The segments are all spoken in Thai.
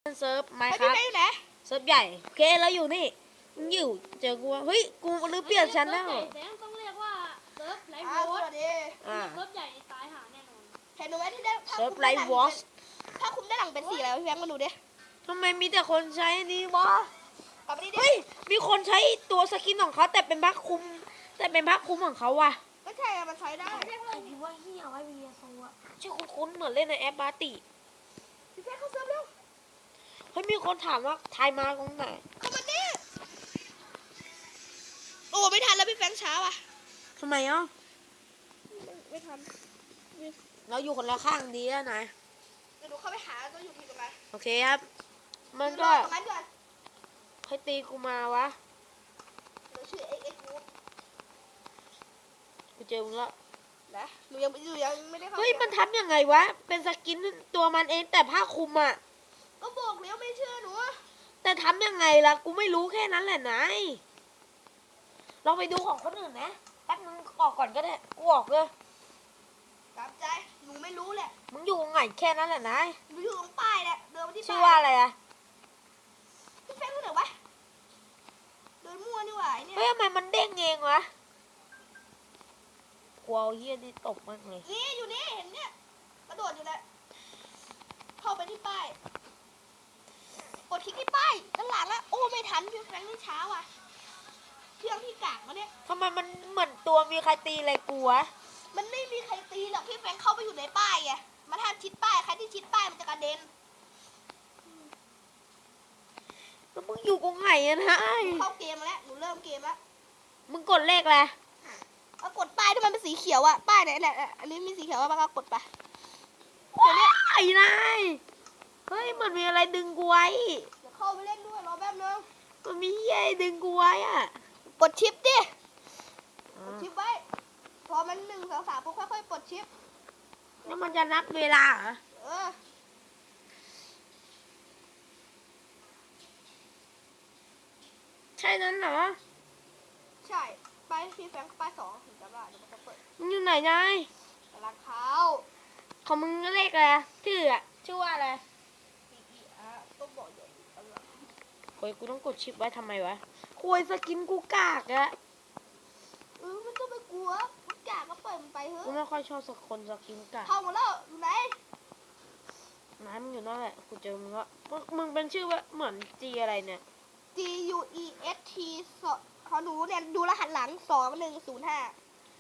เซิร์ฟไมค์คพี่รับไปอยู่ไหนเซิร์ฟใหญ่โอเคแล้วอยู่นี่มึงอยู่เจอกูเฮ้ยกูลืมเปลี่ยนชั้นแล้วแต่ต้องเรียกว่าเซิร์ฟไลฟ์สโววัตสดีเซิร์ฟใหญ่ตายหาแน่นอนเห็นหนูไหมที่ได้เซิร์ฟไลฟ์วอชถ้าคุมด้านหลังเป็นสีอะไรพี่แบงค์มาดูดิทำไมมีแต่คนใช้อันนี้วะกลับไปดิเฮ้ยมีคนใช้ตัวสกินของเขาแต่เป็นผ้าคลุมของเขาว่ะก็ใช่อะมันใช้ได้ใครพิมพ์ว่าเฮียไว้วีโซอะชื่อคุ้นๆเหมือนเล่นในแอปบาติพี่แบงค์เข้าเซิร์ฟเร็วเฮ้ยมีคนถามว่าทายมาตรงไหนเข้ามาดิโอ้ไม่ทันแล้วพี่แบงค์ช้าว่ะทำไมอ่ะไม่ทันเราอยู่คนละข้างดีแล้วนะเดี๋ยวหนูเข้าไปหาตัวอยู่ที่ตรงไหนโอเคครับมันก็ตรงนั้นก่อนให้ตีกูมาวะเดี๋ยวชื่อ XX Group กูเจอมึงละนะหนูยังไม่ได้เข้าเฮ้ยมันทำยังไงวะเป็นสกินตัวมันเองแต่ผ้าคลุมอ่ะก็บอกแล้วไม่เชื่อหนูแต่ทำยังไงล่ะกูไม่รู้แค่นั้นแหละนายลองไปดูของคนอื่นนะแป๊บนึงออกก่อนก็ได้กูออกเลยตามใจหนูไม่รู้แหละมึงอยู่ตรงไหนแค่นั้นแหละนายหนูอยู่ตรงป้ายแหละเดินมาที่ชื่อป้ายว่าอะไรอะพี่แบงค์รู้ไหนวะเดินมั่วนี่หว่าไอ้เนี่ยเฮ้ยทำไมมันเด้งเองวะกลัวเฮียนี่ตกมากเลยนี่อยู่นี่เห็นเนี่ยกระโดดอยู่แล้วเข้าไปที่ป้ายกดคลิกที่ป้ายด้านหลังแล้วโอ้ไม่ทันพี่แฟรงค์นี่ช้าว่ะเครื่องที่กากมาเนี่ยทำไมมันเหมือนตัวมีใครตีอะไรกูวะมันไม่มีใครตีหรอกพี่แฟรงค์เข้าไปอยู่ในป้ายไงมันห้ามชิดป้ายใครที่ชิดป้ายมันจะกระเด็นแล้วมึงอยู่ตรงไหนอะนายเข้าเกมมาแล้วหนูเริ่มเกมแล้วมึงกดเลขอะไรเอากดป้ายที่มันเป็นสีเขียวอะป้ายไหนเนี่ยอันนี้มีสีเขียวว่ามันก็กดไปไอ้นายเฮ้ยมันมีอะไรดึงกูไว้เดี๋ยวเข้าไปเล่นด้วยรอแป๊บนึงมันมีเฮียดึงกูไว้อะกดชิปดิกดชิปไว้พอมัน1 2 3ปุ๊บค่อยๆกดชิปแล้วมันจะนับเวลาเหรอเออใช่นั้นเหรอใช่ป้ายพี่แฟรงค์ป้าย2ถึงจะว่าเดี๋ยวมันจะเปิดมึงอยู่ไหนนายกำลังเข้าของมึงเลขอะไรชื่ออะชื่อว่าอะไรต้องบอกอยู่เออโอ้ยกูต้องกดชิปไว้ทำไมวะคุยสกินกูกากอะมันต้องไปกลัวมันกากก็ปล่อยมันไปเถกูอะไม่ค่อยชอบสคนสกินกากเข้าหมดแล้วอยู่ไหนนายมึงอยู่นั่นแหละกูเจอมึงละมึงเป็นชื่อว่าเหมือนจีอะไรเนี่ย G U E S T เขาหนูเนี่ยดูรหัสหลัง2105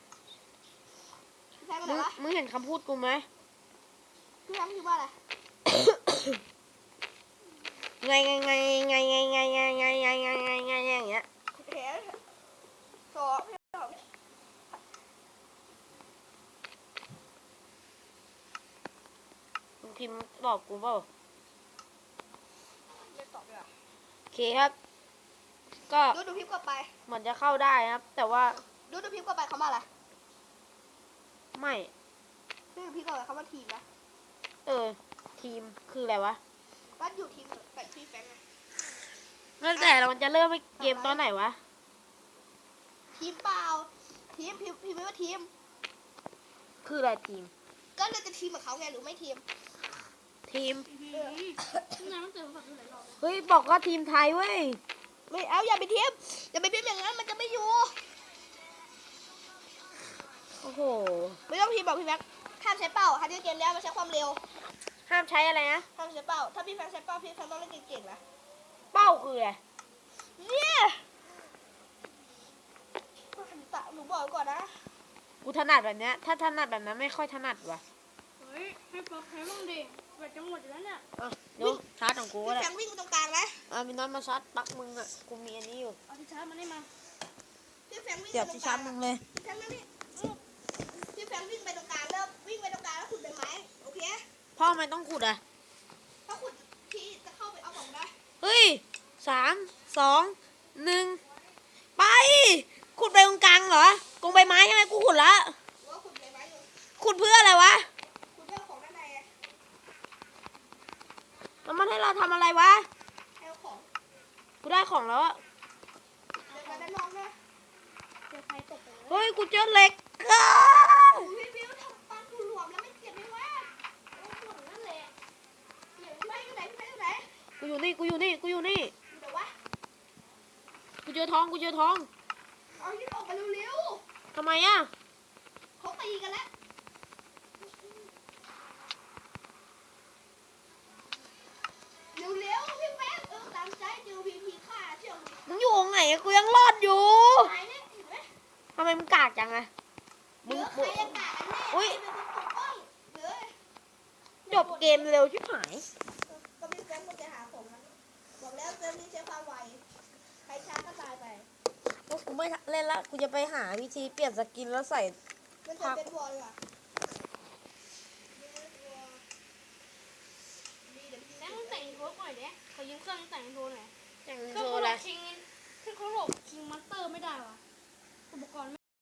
พี่แฟรงค์เป็นมึไงงวะมึงเห็นคำพูดกูไหมพี่แฟรงค์คิดว่าอะไรไงอย่างเงี้ยเห็นสองพี่สองมึงพิมพ์บอกกูเปล่าไม่ตอบเลยอ่ะโอเคครับ ก็ดูพิมพ์กลับไปเหมือนจะเข้าได้ครับ แต่ว่าดูพิมพ์กลับไปเขามาอะไรไม่ดูพิมพ์กลับไปเขามาทีมนะทีมคืออะไรวะบ้านอยู่ทีมแบบพี่แฟรงค์ไงนั่นแต่เราจะเริ่มเกมตอนไหนวะทีมเปล่าทีมพิมพ์ไม่ว่าทีมคืออะไรทีมก็เลยจะทีมกับเขาไงหรือไม่ทีมทีมนายต้องเจอแบบนี้หลายรอบเฮ้ยบอกว่าทีมไทยเว้ยไม่เอาอย่าไปทีมอย่าไปพิมพ์อย่างนั้นมันจะไม่อยู่โอ้โหไม่ต้องทีมบอกพี่แฟรงค์ห้ามใช้เป้าฮันที่เกมแล้วมันใช้ความเร็วห้ามใช้อะไรนะห้ามใช้เป้าถ้าพี่แฟรงค์ใช้เป้าพี่แฟรงค์ต้องเล่นเก่งๆนะเป้าคืออะไรเนี่ยหนูบอกก่อนนะกูถนัดแบบเนี้ย ถ้าถนัดแบบนั้นไม่ค่อยถนัดว่ะเฮ้ยให้ป๊อปให้บ้างดิแบบจังหวัดอยู่แล้วเนี่ยเดี๋ยวชาร์จของกูก็พี่ได้แฟรงค์วิ่งไปตรงกลางนะมีน้องมาชาร์จปลั๊กมึงอ่ะ กูมีอันนี้อยู่เอาที่ชาร์จมาได้มาพี่แฟรงค์วิ่งเดี๋ยวไปตรที่งกชาลาร์งจมึงเลยพี่แฟรงค์นี่พี่แฟรงค์วิ่งไปตรงกลางแล้ววิ่งไปตรงกลางแล้วขุดใบไม้โอเคพ่อไม่ต้องขุดอ่ะถ้าขุดพี่จะเข้าไปเอาของได้เฮ้ย3 2 1 ไป ขุดไปตรงกลางเหรอ กงใบไม้ใช่ไหมกูขุดละหรือว่าขุดใบไม้อยู่ขุดเพื่ออะไรวะขุดเรื่องของด้านในไงแล้วมันให้เราทำอะไรวะให้เอาของกูได้ของแล้วอะเดินมาด้านนอกนะเจอใครตกไปเลยเฮ้ย กูเจอเหล็กอ้าพี่บิวทำปลาทูหลวมแล้วไม่เจ็บไหมวะโอ้โหนั่นแหละพี่แฟรงค์อยู่ไหนพี่แฟรงค์อยู่ไหนกูอยู่นี่ กูอยู่นี่ กูอยู่นี่เดี๋ยววะกูเจอทอง กูเจอทองเอาที่ออกมาเร็วทำไมอ่ะๆเขาตีกันแล้วเร็วๆพี่แป๊บตามใจเจอพีพีฆ่าเชื่อมึงมึงอยู่ตรงไหนอะกูยังรอดอยู่ตายเนี่ยเห็นไหมทำไมมึงกากจังอะเหลือใครจะกากันแน่อุ๊ยใครเป็นคนปกป้องเหลือจบเกมเร็วชิบหายก็พี่แป๊บก็จะหาผมนะบอกแล้วเติมนี้ใช้ความไวใครช้าก็ตายไปกูไม่เล่นละ กูจะไปหาวิธีเปลี่ยนสกินแล้วใส่มันจะเป็นวอลเลยว่ะแล้วมึงแต่งโทรก่อนเนี้ยขอยืมเครื่องแต่งโทรหน่อยแต่งเคโชรื่องว์เขาอะไรคิงเครื่องเขาหลบคิงมาสเตอร์ไม่ได้ว่ะอุปกรณ์